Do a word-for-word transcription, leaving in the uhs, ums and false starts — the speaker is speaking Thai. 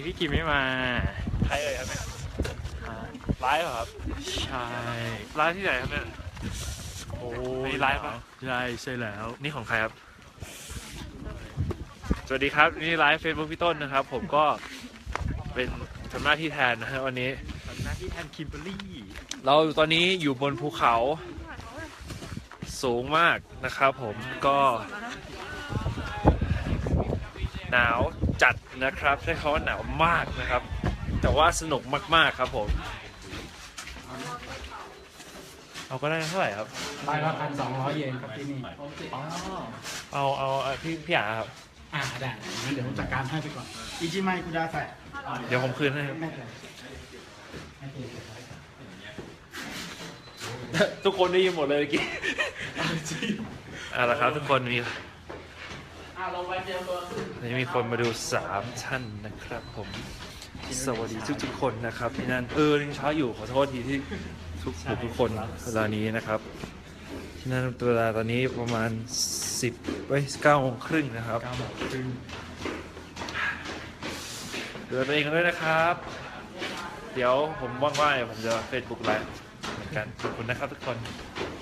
พี่กิมไม่มาใครเอ่ยครับเนี่ยฮะไลฟ์เหรอครับใช่ไลฟ์ที่ไหนครับเนี่ยโอ้นี่ไลฟ์ปะใช่ใช่แล้วนี่ของใครครับสวัสดีครับนี่ไลฟ์เฟซบุ๊กพี่ต้นนะครับผมก็เป็นทำหน้าที่แทนนะฮะวันนี้ทำหน้าที่แทนคิมเบอร์รี่เราตอนนี้อยู่บนภูเขาสูงมากนะครับผมก็หนาวจัดนะครับใช้คำว่าหนาวมากนะครับแต่ว่าสนุกมากๆครับผมเอาก็ได้เท่าไหร่ครับใบละพันสองร้อยเยนครับที่นี่อ๋อเอาเอาเอาพี่พี่หยาครับอ่าได้งั้นเดี๋ยวผมจัดการให้ไปก่อนอิจิไมคุดาใส่เดี๋ยวผมคืนให้ครับไม่เป็นไรไม่เป็นไรทุกคนได้ยินหมดเลยเมื่อกี้เอาละครับทุกคนมีอ่าลงไปเตรียมตัววันนี้มีคนมาดูสามท่านนะครับผมสวัสดีทุกๆคนนะครับที่นั่นเออยังเช้าอยู่ขอโทษทีที่ทุกทุกคนเวลานี้นะครับที่นั่นเวลาตอนนี้ประมาณสิบไว้เก้าโมงครึ่งนะครับเก้าโมงครึ่งดูแลตัวเองกันด้วยนะครับ เดี๋ยวผมว่างๆเดี๋ยวผมจะเฟซบุ๊กไลฟ์เหมือนกันขอบคุณนะครับทุกคนค